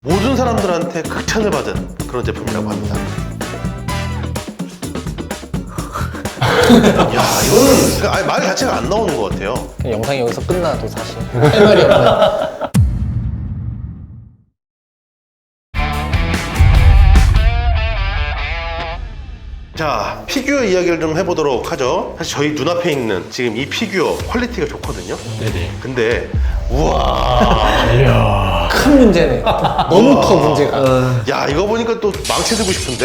모든 사람들한테 극찬을 받은 그런 제품이라고 합니다. 야, 이거는 아예 말 자체가 안 나오는 것 같아요. 그냥 영상이 여기서 끝나도 사실 할 말이 없네. 자, 피규어 이야기를 좀 해보도록 하죠. 사실 저희 눈앞에 있는 지금 이 피규어 퀄리티가 좋거든요. 네네. 근데 우와, 큰 문제네. 너무 커 문제가. 야, 이거 보니까 또 망치 들고 싶은데.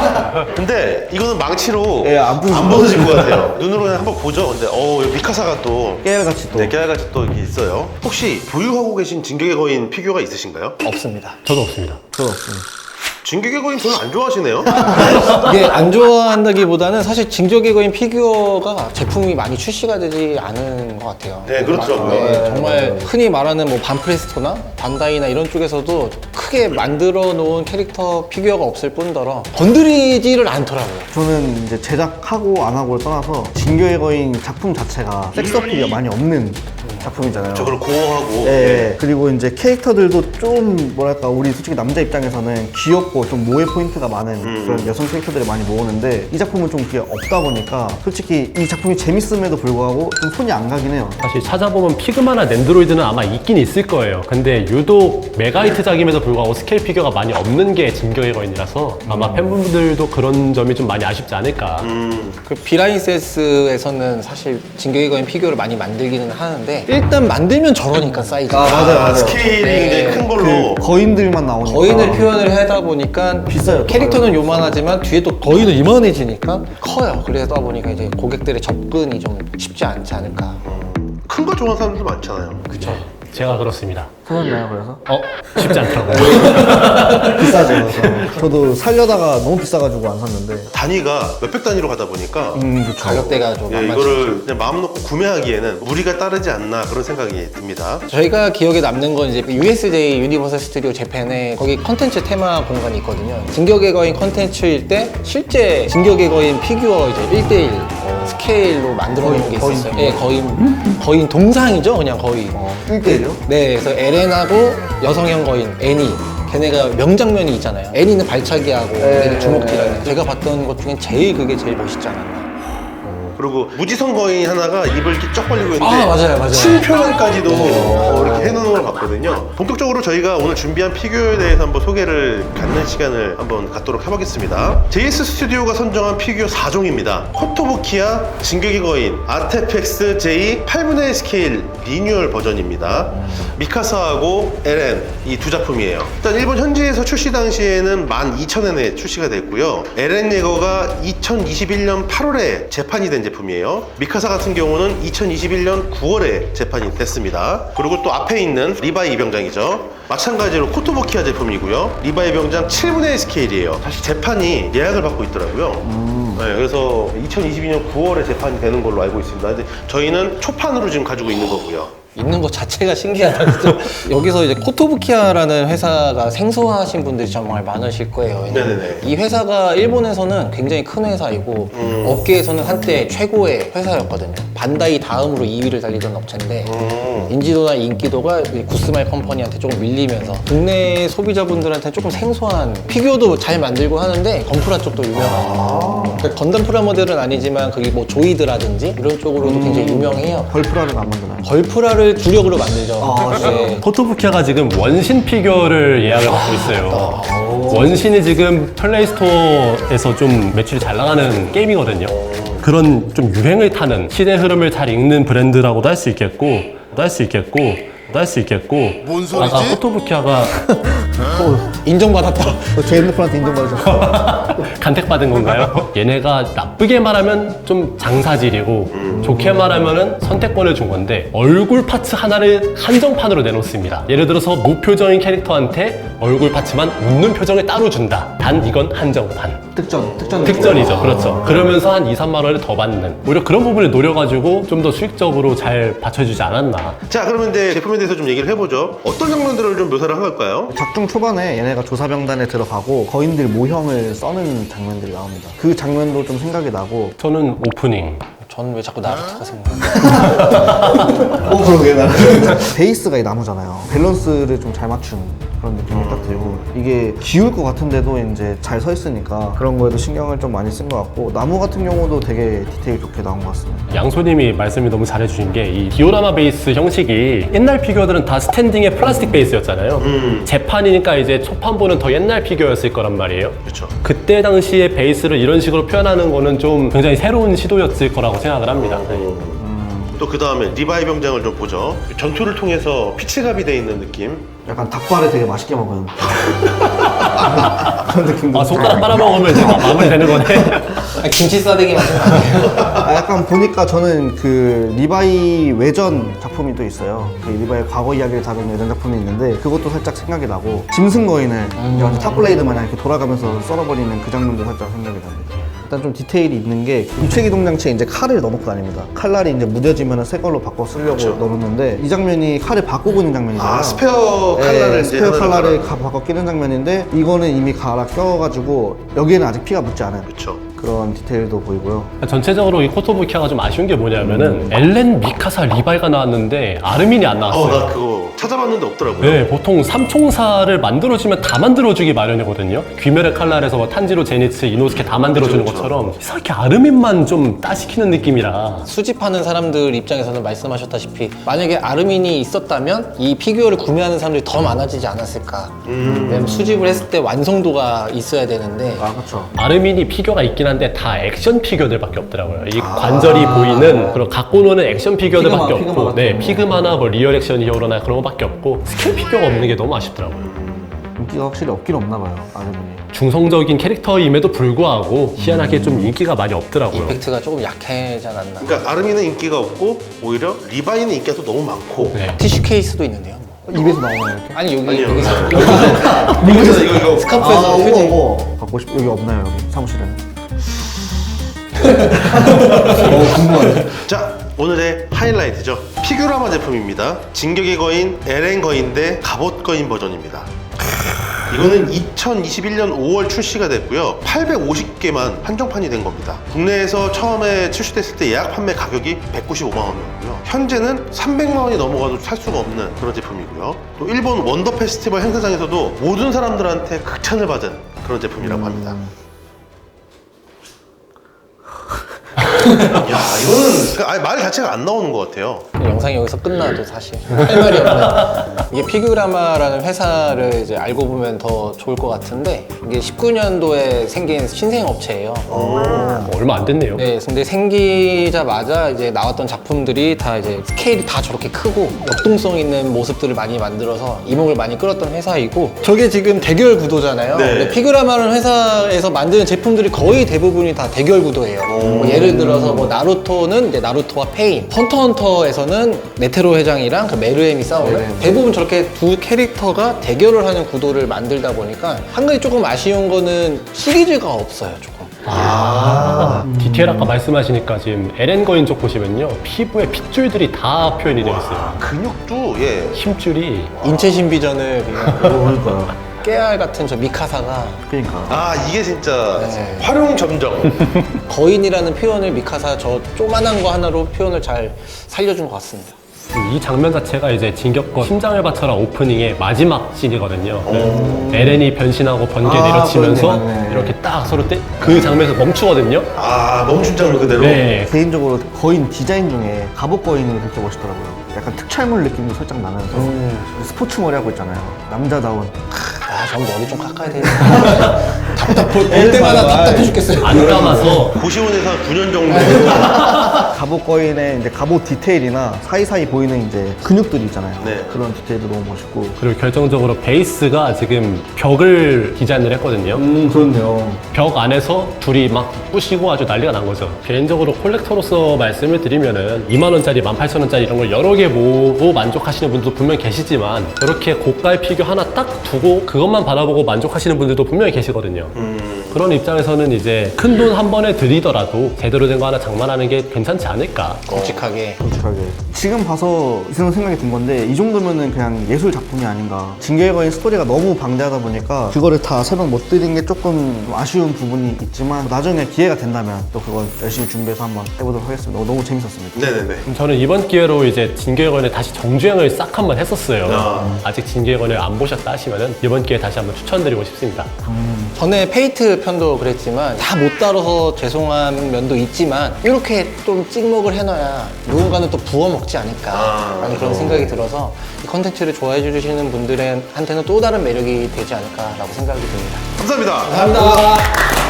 근데 이거는 망치로 예, 안 부서질 안 벗어질 것 같아요. 눈으로 그냥 한번 보죠. 근데 여기 미카사가 또 깨알같이 또. 네, 깨알같이 또 이렇게 있어요. 혹시 보유하고 계신 진격의 거인 피규어가 있으신가요? 없습니다. 저도 없습니다. 그거 없습니다. 진격의 거인 별로 안 좋아하시네요. 이게 안 좋아한다기보다는 사실 진격의 거인 피규어가 제품이 많이 출시가 되지 않은 것 같아요. 네, 그렇더라고요. 네, 정말 흔히 말하는 뭐 반프레스토나 반다이나 이런 쪽에서도 크게 만들어 놓은 캐릭터 피규어가 없을 뿐더러 건드리지를 않더라고요. 저는 이제 제작하고 안 하고를 떠나서 진격의 거인 작품 자체가 섹스 어필이 많이 없는 작품이잖아요. 저걸 고어하고. 예, 그리고 이제 캐릭터들도 좀 뭐랄까 우리 솔직히 남자 입장에서는 귀엽고 좀 모해 포인트가 많은 그런 여성 캐릭터들이 많이 모으는데 이 작품은 좀 그게 없다 보니까 솔직히 이 작품이 재밌음에도 불구하고 좀 손이 안 가긴 해요. 사실 찾아보면 피그마나 낸드로이드는 아마 있긴 있을 거예요. 근데 유독 메가히트작임에도 불구하고 스케일 피규어가 많이 없는 게 진격의 거인이라서 아마 팬분들도 그런 점이 좀 많이 아쉽지 않을까. 그 비라인세스에서는 사실 진격의 거인 피규어를 많이 만들기는 하는데 일단 만들면 저러니까 사이즈가. 맞아요. 스케일이 네. 굉장히 큰 걸로. 거인들만 나오니까 거인을 표현을 하다 보니까 비싸요. 캐릭터는 요만하지만 뒤에 또 거인은 이만해지니까 커요. 그러다 보니까 이제 고객들의 접근이 좀 쉽지 않지 않을까. 큰 거 좋아하는 사람들 많잖아요. 그쵸. 제가 그렇습니다. 사셨나요 그래서? 쉽지 않더라고요. 비싸죠. 그래서 저도 살려다가 너무 비싸가지고 안 샀는데 단위가 몇백 단위로 가다 보니까 그렇죠. 가격대가 좀 예, 만만치 이거를 그냥 마음 놓고 구매하기에는 무리가 따르지 않나 그런 생각이 듭니다. 저희가 기억에 남는 건 이제 USJ 유니버설 스튜디오 재팬에 거기 컨텐츠 테마 공간이 있거든요. 진격의 거인 컨텐츠일 때 실제 진격의 거인 피규어 이제 1대1 스케일로 만들어 놓은 게 거인 있었어요. 예, 거인 동상이죠, 그냥 거의. 1대1이요? 네, 그래서 에렌하고 여성형 거인 애니. 걔네가 명장면이 있잖아요. 애니는 발차기하고 애니는 주먹질하는. 제가 봤던 것 중엔 그게 제일 멋있지 않았나. 그리고 무지성 거인 하나가 입을 이렇게 쩍 벌리고 있는데 아, 맞아요. 침 표현까지도 이렇게 해놓은 걸 봤거든요. 본격적으로 저희가 오늘 준비한 피규어에 대해서 한번 소개를 갖는 시간을 한번 갖도록 해보겠습니다. JS 스튜디오가 선정한 피규어 4종입니다. 코토부키야, 진격의 거인, 아테펙스 J 8분의 1 스케일 리뉴얼 버전입니다. 미카사하고 에렌 이 두 작품이에요. 일단 일본 현지에서 출시 당시에는 12,000엔에 출시가 됐고요. 에렌 예거가 2021년 8월에 재판이 된 제품이에요. 미카사 같은 경우는 2021년 9월에 재판이 됐습니다. 그리고 또 앞에 있는 리바이 병장이죠. 마찬가지로 코토부키아 제품이고요. 리바이 병장 7분의 1 스케일이에요. 사실 재판이 예약을 받고 있더라고요. 네, 그래서 2022년 9월에 재판이 되는 걸로 알고 있습니다. 근데 저희는 초판으로 지금 가지고 있는 거고요. 있는 것 자체가 신기하다. 그죠? 여기서 이제 코토부키아라는 회사가 생소하신 분들이 정말 많으실 거예요. 왜냐면 네네네. 이 회사가 일본에서는 굉장히 큰 회사이고 업계에서는 한때 최고의 회사였거든요. 반다이 다음으로 2위를 달리던 업체인데 인지도나 인기도가 이 구스마일 컴퍼니한테 조금 밀리면서 국내 소비자분들한테 조금 생소한 피규어도 잘 만들고 하는데 건프라 쪽도 유명한 그러니까 건담 프라모델은 아니지만 그게 뭐 조이드라든지 이런 쪽으로도 굉장히 유명해요. 걸프라를 안 만드나요? 걸프라를 주력으로 만들죠. 네. 코토부키아가 지금 원신 피규어를 예약을 받고 있어요. 원신이 지금 플레이스토어에서 좀 매출이 잘 나가는 게임이거든요. 그런 좀 유행을 타는 시대 흐름을 잘 읽는 브랜드라고도 할 수 있겠고 뭔 소리지? 아까 코토부키아가 인정받았다. 제 핸드폰한테 인정받으셨어요. 간택받은 건가요? 얘네가 나쁘게 말하면 좀 장사질이고 좋게 말하면 선택권을 준 건데 얼굴 파츠 하나를 한정판으로 내놓습니다. 예를 들어서 무표정인 캐릭터한테 얼굴 파츠만 웃는 표정을 따로 준다. 단 이건 한정판. 특전이죠. 그렇죠. 그러면서 한 2, 3만 원을 더 받는 오히려 그런 부분을 노려가지고 좀 더 수익적으로 잘 받쳐주지 않았나. 자, 그러면 이제 제품에 대해서 좀 얘기를 해보죠. 어떤 장면들을 좀 묘사를 한 걸까요? 작중 초반에 얘네가 조사병단에 들어가고 거인들 모형을 써는 장면들이 나옵니다. 그 장면도 좀 생각이 나고 저는 오프닝 저는 왜 자꾸 나루토가 생각나요? 그러게 나 베이스가 이 나무잖아요. 밸런스를 좀 잘 맞춘 그런 느낌이 딱 들고 이게 기울 것 같은데도 이제 잘 서 있으니까 그런 거에도 신경을 좀 많이 쓴 것 같고 나무 같은 경우도 되게 디테일 좋게 나온 것 같습니다. 양소님이 말씀이 너무 잘해주신 게 이 디오라마 베이스 형식이 옛날 피규어들은 다 스탠딩의 플라스틱 베이스였잖아요. 재판이니까 이제 초판보는 더 옛날 피규어였을 거란 말이에요. 그렇죠. 그때 당시에 베이스를 이런 식으로 표현하는 거는 좀 굉장히 새로운 시도였을 거라고 생각을 합니다. 또 그 다음에 리바이 병장을 좀 보죠. 전투를 통해서 피치갑이 돼 있는 느낌. 약간 닭발을 되게 맛있게 먹은 그런 느낌도 아, 손가락 빨아먹으면 이제 마무리 되는 거네. 김치 싸대기 맛이 나네요. 약간 보니까 저는 그 리바이 외전 작품이 또 있어요. 그 리바이 과거 이야기를 다룬 외전 작품이 있는데 그것도 살짝 생각이 나고 짐승 거인을 완전 탑블레이드 마냥 이렇게 돌아가면서 썰어버리는 그 장면도 살짝 생각이 납니다. 일단 좀 디테일이 있는 게 유체기동 장치에 이제 칼을 넣어놓고 다닙니다. 칼날이 이제 무뎌지면 새 걸로 바꿔 쓰려고 넣어놓는데 이 장면이 칼을 바꾸고 있는 장면이잖아요. 아, 스페어 칼날을 이제 스페어 하나를 칼날을 바꿔 끼는 장면인데 이거는 이미 갈아 껴가지고 여기에는 아직 피가 묻지 않은 그렇죠. 그런 디테일도 보이고요. 전체적으로 이 코토부키아가 좀 아쉬운 게 뭐냐면은 엘렌, 미카사, 리바이가 나왔는데 아르민이 안 나왔어요. 나 그거 찾아봤는데 없더라고요. 네, 보통 삼총사를 만들어주면 다 만들어주기 마련이거든요. 귀멸의 칼날에서 뭐 탄지로, 제니츠, 이노스케 다 만들어주는 그렇죠. 것처럼 이상하게 아르민만 좀 따시키는 느낌이라. 수집하는 사람들 입장에서는 말씀하셨다시피 만약에 아르민이 있었다면 이 피규어를 구매하는 사람들이 더 많아지지 않았을까. 왜냐면 수집을 했을 때 완성도가 있어야 되는데 아 그렇죠. 아르민이 피규어가 있긴 한데 다 액션 피규어들밖에 없더라고요. 이 관절이 보이는 그런 갖고 노는 액션 피규어들밖에 피그마 없고, 같은 네, 거. 피그마나 뭐 리얼 액션 히어로나 그런 거밖에 없고 스케일 피규어가 없는 게 너무 아쉽더라고요. 인기가 확실히 없긴 없나 봐요. 아르민이. 중성적인 캐릭터임에도 불구하고 희한하게 좀 인기가 많이 없더라고요. 임팩트가 조금 약하지 않았나. 그러니까 아르민은 인기가 없고 오히려 리바이는 인기가 또 너무 많고. 네. 티슈 케이스도 있는데요. 입에서 나오나요 이렇게? 아니 여기 아니요. 여기서 이거 스카프에서 우와, 휴지. 우와. 갖고 싶 여기 없나요 여기 사무실에는? 궁금하네. 자, 오늘의 하이라이트죠. 피규라마 제품입니다. 진격의 거인 LN 거인 대 갑옷 거인 버전입니다. 이거는 2021년 5월 출시가 됐고요. 850개만 한정판이 된 겁니다. 국내에서 처음에 출시됐을 때 예약 판매 가격이 195만 원이었고요. 현재는 300만 원이 넘어가도 살 수가 없는 그런 제품이고요. 또 일본 원더 페스티벌 행사장에서도 모든 사람들한테 극찬을 받은 그런 제품이라고 합니다. 야, 이거는 아예 말 자체가 안 나오는 것 같아요. 영상이 여기서 끝나도 사실 할 말이 없네. 이게 피규라마라는 회사를 이제 알고 보면 더 좋을 것 같은데 이게 19년도에 생긴 신생 업체예요. 얼마 안 됐네요. 네, 근데 생기자마자 이제 나왔던 작품들이 다 이제 스케일이 다 저렇게 크고 역동성 있는 모습들을 많이 만들어서 이목을 많이 끌었던 회사이고 저게 지금 대결 구도잖아요. 네. 근데 피규라마라는 회사에서 만드는 제품들이 거의 대부분이 다 대결 구도예요. 뭐 예를 들어서 뭐 나루토는 이제 나루토와 페인, 헌터헌터에서는 네테로 회장이랑 그 메르엠이 싸우는 대부분 저렇게 두 캐릭터가 대결을 하는 구도를 만들다 보니까 한 가지 조금 아쉬운 거는 시리즈가 없어요, 조금. 디테일 아까 말씀하시니까 지금 LN 거인 쪽 보시면요. 피부에 핏줄들이 다 표현이 되어 있어요. 근육도 예. 힘줄이 인체 신비전을 그냥 그러니까요. 깨알 같은 저 미카사가 그러니까. 아, 이게 진짜 네. 활용 점정. 거인이라는 표현을 미카사 저 조만한 거 하나로 표현을 잘 살려준 것 같습니다. 이 장면 자체가 이제 진격거 심장을 바쳐라 오프닝의 마지막 씬이거든요. LN이 변신하고 번개 아, 내려치면서 그러네, 맞네. 이렇게 딱 서로 그 장면에서 멈추거든요. 아, 멈춘 장면 그대로. 네. 개인적으로 거인 디자인 중에 갑옷 거인이 그렇게 멋있더라고요. 약간 특촬물 느낌도 살짝 나면서 스포츠 머리 하고 있잖아요. 남자다운. 아, 전 머리 좀 깎아야 되겠다. 볼 때마다 답답해 죽겠어요. 안 감아서 고시원에서 한 9년 정도. 갑옷 거인의 이제 갑옷 디테일이나 사이사이 보이는 이제 근육들이 있잖아요. 네. 그런 디테일도 너무 멋있고. 그리고 결정적으로 베이스가 지금 벽을 디자인을 했거든요. 그렇네요. 벽 안에서 둘이 막 부시고 아주 난리가 난 거죠. 개인적으로 콜렉터로서 말씀을 드리면은 2만 원짜리, 18,000원짜리 이런 걸 여러 개 모으고 만족하시는 분들도 분명히 계시지만 저렇게 고가의 피규어 하나 딱 두고 그것만 바라보고 만족하시는 분들도 분명히 계시거든요. 그런 입장에서는 이제 큰 돈 한 번에 들이더라도 제대로 된 거 하나 장만하는 게 괜찮지 않을까. 굵직하게. 솔직하게 지금 봐서 이런 생각이 든 건데 이 정도면은 그냥 예술 작품이 아닌가. 진격의 거인 스토리가 너무 방대하다 보니까 그거를 다 설명 못 드린 게 조금 아쉬운 부분이 있지만 나중에 기회가 된다면 또 그걸 열심히 준비해서 한번 해보도록 하겠습니다. 너무 재밌었습니다. 네네네. 저는 이번 기회로 이제 진격의 거인을 다시 정주행을 싹 한번 했었어요. 아. 아직 진격의 거인을 안 보셨다 하시면은 이번 기회에 다시 한번 추천드리고 싶습니다. 전에 페이트 편도 그랬지만 다 못 다뤄서 죄송한 면도 있지만 이렇게 좀 찍먹을 해놔야 누군가는 또 부어먹지 않을까라는 그런 생각이 들어서 이 컨텐츠를 좋아해 주시는 분들한테는 또 다른 매력이 되지 않을까라고 생각이 듭니다. 감사합니다. 감사합니다.